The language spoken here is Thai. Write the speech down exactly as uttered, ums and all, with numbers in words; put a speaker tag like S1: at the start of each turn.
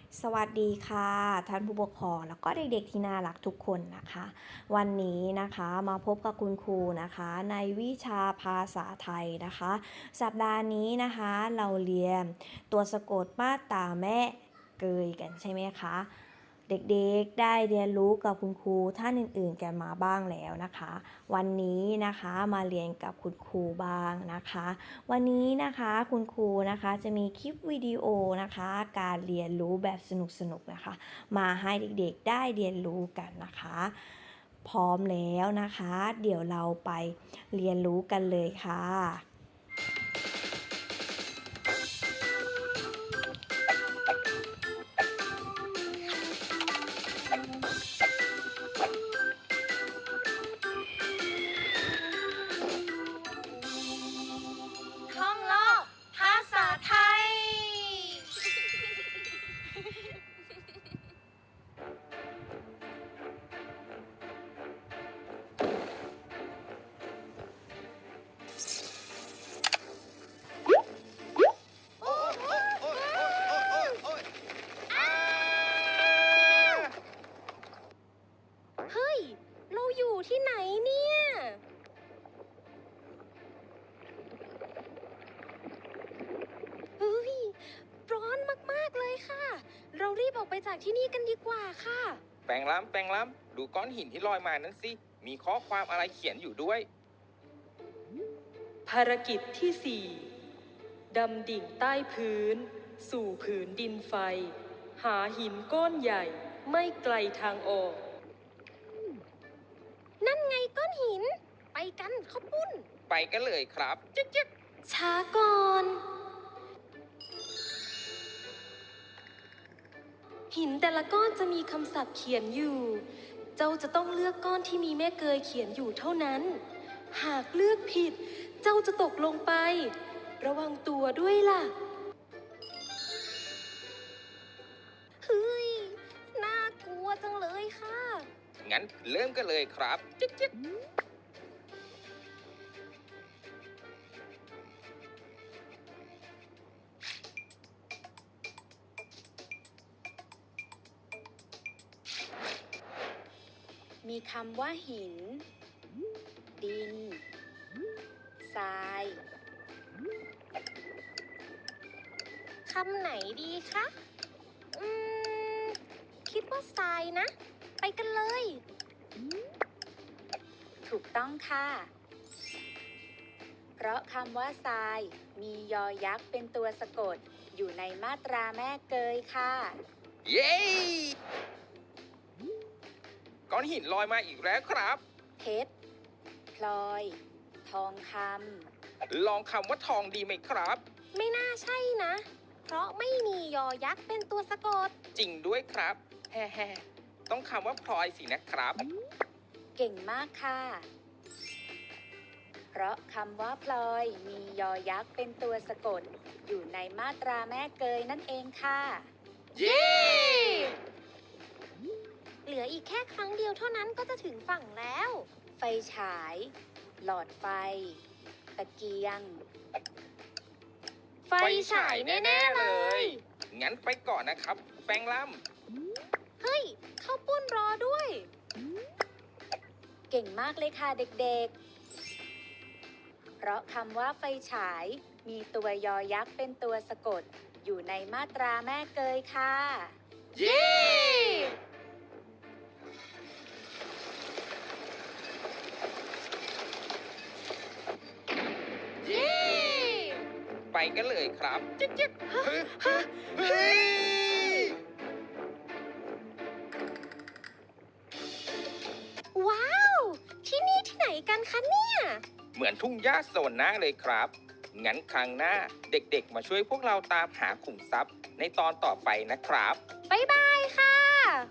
S1: สวัสดีค่ะท่านผู้ปกครองแล้วก็เด็กๆที่น่ารักทุกคนนะคะ วันนี้นะคะมาพบกับคุณครูนะคะในวิชาภาษาไทยนะคะ สัปดาห์นี้นะคะเราเรียนตัวสะกดมาตราแม่เกยกันใช่ไหมคะเด็กๆได้เรียนรู้กับคุณครูท่านอื่นๆกันมาบ้างแล้วนะคะ วันนี้นะคะมาเรียนกับคุณครูบ้างนะคะ วันนี้นะคะคุณครูนะคะจะมีคลิปวิดีโอนะคะการเรียนรู้แบบสนุกๆนะคะมาให้เด็กๆได้เรียนรู้กันนะคะ พร้อมแล้วนะคะ เดี๋ยวเราไปเรียนรู้กันเลยค่ะ
S2: ท่องโลกภาษาไทย เฮ้ย เราอยู่ที่ไหนเนี่ย เฮ้ย ร้อนมากๆเลยค่ะ เรารีบออกไปจากที่นี่กันดีกว่าค่ะ
S3: แปลงล้ำแปลงล้ำดูก้อนหินที่ลอยมานั้นสิ มีข้อความอะไรเขียนอยู่ด้วย
S4: ภารกิจที่สี่ดำดิ่งใต้พื้น สู่ผืนดินไฟ หาหินก้อนใหญ่ไม่ไกลทางออก
S2: นั่นไงก้อนหิน ไปกันข้าวปุ้น
S3: ไปกันเลยครับจิ๊กจิ๊ก
S2: ช้าก่อน
S4: หินแต่ละก้อนจะมีคำศัพท์เขียนอยู่ เจ้าจะต้องเลือกก้อนที่มีแม่เกยเขียนอยู่เท่านั้น หากเลือกผิด เจ้าจะตกลงไป ระวังตัวด้วยล่ะ
S2: เฮ้ย น่ากลัวจังเลยค่ะ
S3: งั้นเริ่มกันเลยครับจิ๊กจิ๊ก
S5: มีคำว่าหิน ดิน ทราย
S2: คำไหนดีคะ อืม คิดว่าทรายนะ ไปกันเลย
S5: ถูกต้องค่ะ เพราะคำว่าทรายมียอยักษ์เป็นตัวสะกดอยู่ในมาตราแม่เกยค่ะ
S3: เย้ก้อนหินลอยมาอีกแล้วครับ
S5: เพชร พลอย ทองค
S3: ลองคำว่าทองดีไหมครับ
S2: ไม่น่าใช่นะ เพราะไม่มียอยักษ์เป็นตัวสะกด
S3: จริงด้วยครับแฮ่ๆต้องคำว่าพลอยสินะครับ
S5: ำ เก่งมากค่ะ เพราะคำว่าพลอยมียอยักษ์เป็นตัวสะกดอยู่ในมาตราแม่เกยนั่นเองค่ะ
S3: เย้
S2: เหลืออีกแค่ครั้งเดียวเท่านั้นก็จะถึงฝั่งแล้ว
S5: ไฟฉาย หลอดไฟ ตะเกียง
S2: ไฟฉายแน่ๆเลย
S3: งั้นไปก่อนนะครับ แปลงล้
S2: เฮ้ย ข้าวปุ้นรอด้วย
S5: เก่งมากเลยค่ะเด็กๆ เพราะคำว่าไฟฉายมีตัวยอยักษ์เป็นตัวสะกดอยู่ในมาตราแม่เกยค่ะ
S3: ำเย้
S2: เย้
S3: ไปกันเลยครับจิ๊กจิ๊กเฮ้ยเฮ้ยเฮ้ย
S2: ว้าว ที่นี่ที่ไหนกันคะเนี่ย
S3: เหมือนทุ่งหญ้าโซนหน้าเลยครับ งั้นครั้งหน้าเด็กๆ มาช่วยพวกเราตามหาขุมทรัพย์ในตอนต่อไปนะครับ
S2: บ๊ายบายค่ะ